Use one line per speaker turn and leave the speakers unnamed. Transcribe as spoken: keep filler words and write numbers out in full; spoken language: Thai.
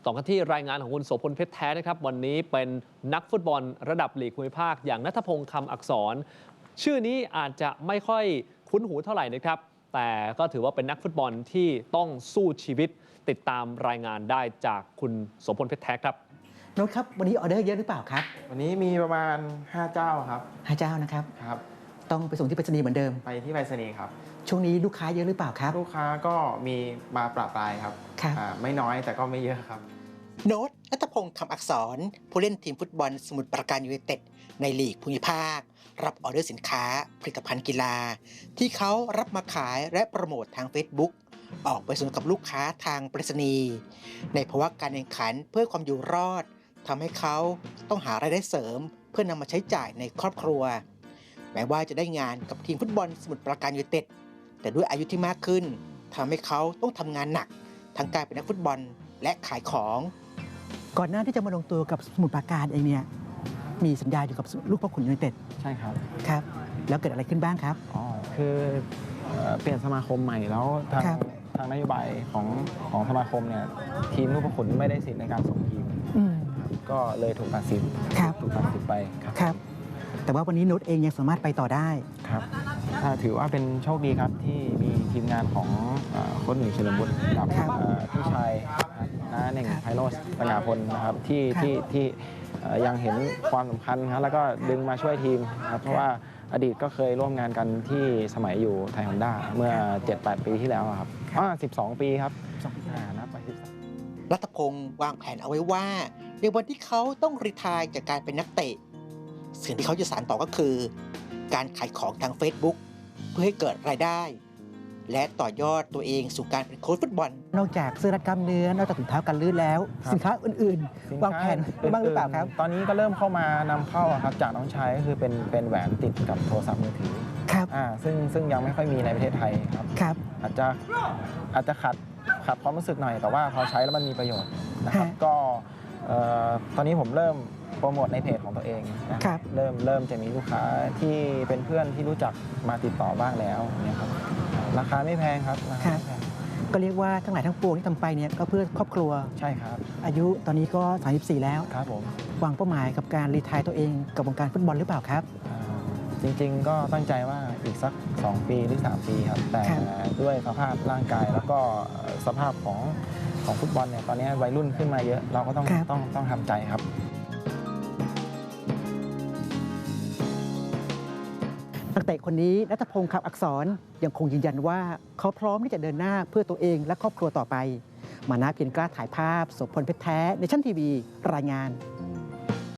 ต่อกันที่รายงานของคุณโสพลเพชรแท้นะครับวันนี้เป็นนักฟุตบอลระดับลีกภูมิภาคอย่างณัฐพงษ์คำอักษรชื่อนี้อาจจะไม่ค่อยคุ้นหูเท่าไหร่นะครับแต่ก็ถือว่าเป็นนักฟุตบอลที่ต้องสู้ชีวิตติดตามรายงานได้จากคุณโสพลเพชรแท้ครับ
โน้ตครับวันนี้ออเดอร์เยอะหรือเปล่าครับ
วันนี้มีประมาณห้าเจ้าครับ
ห้าเจ้านะครับ
ครับ
ต้องไปส่งที่ไปรษณีย์เหมือนเดิม
ไปที่ไปรษณีย์ครับ
ช่วงนี้ลูกค้าเยอะหรือเปล่าครับ
ลูกค้าก็มีมาปรับปรายครับ
ครับ
ไม่น้อยแต่ก็ไม่เยอะครับ
โน้ตณัฐพงษ์คำอักษรผู้เล่นทีมฟุตบอลสมุทรปราการยูไนเต็ดในลีกภูมิภาครับออเดอร์สินค้าผลิตภัณฑ์กีฬาที่เขารับมาขายและโปรโมททาง Facebook ออกไปส่งกับลูกค้าทางไปรษณีย์ในภาวะการแข่งขันเพื่อความอยู่รอดทำให้เขาต้องหารายได้เสริมเพื่อนำมาใช้จ่ายในครอบครัวแม้ว่าจะได้งานกับทีมฟุตบอลสมุทรปราการยูไนเต็ดแต่ด้วยอายุที่มากขึ้นทำให้เขาต้องทำงานหนักทั้งการเป็นนักฟุตบอลและขายของก่อนหน้าที่จะมาลงตัวกับสมุทรปราการเองเนี่ยมีสัญญาอยู่กับลูกพ่อขุนยูไนเต็ด
ใช่ครับ
ครับแล้วเกิดอะไรขึ้นบ้างครับ
อ๋อคือเปลี่ยนสมาคมใหม่แล้วทางทางนโยบายของของสมาคมเนี่ยทีมลูกพ่อขุนไม่ได้สิทธิ์ในการส่งทีมก็เลยถูกตัดสินถูกตัดสินไป
ครับแต่ว่าวันนี้นุชเองยังสามารถไปต่อได้
ครับถือว่าเป็นโชคดีครับที่มีทีมงานของโค้ชหนุ่ยเฉลิมบุตรกับพี่ชายน้าเน่งไพโรจน์ปัญญาพลนะครับที่ที่ที่ยังเห็นความสำคัญครับแล้วก็ดึงมาช่วยทีมครับเพราะว่าอดีตก็เคยร่วมงานกันที่สมัยอยู่ไทยฮอนด้าเมื่อ เจ็ดแปด ปีที่แล้วครับอ๋อสิบสองปีครับนับไปสิบสอง
รัตพงษ์วางแผนเอาไว้ว่าในวันที่เขาต้องรีไทร์จากการเป็นนักเตะสิ่งที่เขาจะสานต่อก็คือการขายของทาง Facebook เพื่อให้เกิดรายได้และต่อยอดตัวเองสู่การเป็นโค้ชฟุตบอลนอกจากเสื้อรัดกล้ามเนื้อนอกจากถุงเท้ากันลื่นแล้วสินค้าอื่นๆวางแผนบ้างหรือเปล่าครับ
ตอนนี้ก็เริ่มเข้ามานำเข้าครับจากน้องชายก็คือเป็นเป็นแหวนติดกับโทรศัพท์มือถือ
ครับ
อ่าซึ่งซึ่งยังไม่ค่อยมีในประเทศไทยครับ
ครับ
อาจจะอาจจะขัดขัดความรู้สึกหน่อยแต่ว่าพอใช้แล้วมันมีประโยชน์นะครับก็ตอนนี้ผมเริ่มโปรโมทในเพจของตัวเองนะครับเริ่มเริ่มจะมีลูกค้าที่เป็นเพื่อนที่รู้จักมาติดต่อบ้างแล้วเนี่ยครับราคาไม่แพงครับ
ก็เรียกว่าทั้งหลายทั้งปวงที่ทำไปเนี่ยก็เพื่อครอบครัว
ใช่ครับ
อายุตอนนี้ก็สามสิบสี่แล้ว
ครับผม
วางเป้าหมายกับการรีไทร์ตัวเองกับวงการฟุตบอลหรือเปล่าครับ
จริงๆก็ตั้งใจว่าอีกสักสองปีหรือสามปีครับแต่ด้วยสภาพร่างกายแล้วก็สภาพของของฟุตบอลเนี่ยตอนนี้วัยรุ่นขึ้นมาเยอะเราก็ต้องต้องต้องทำใจครับ
นักเตะคนนี้ณัฐพงษ์คำอักษรยังคงยืนยันว่าเขาพร้อมที่จะเดินหน้าเพื่อตัวเองและครอบครัวต่อไปมานะเพียรกล้าถ่ายภาพโสพลเพชรแท้ในชั้นทีวีรายงาน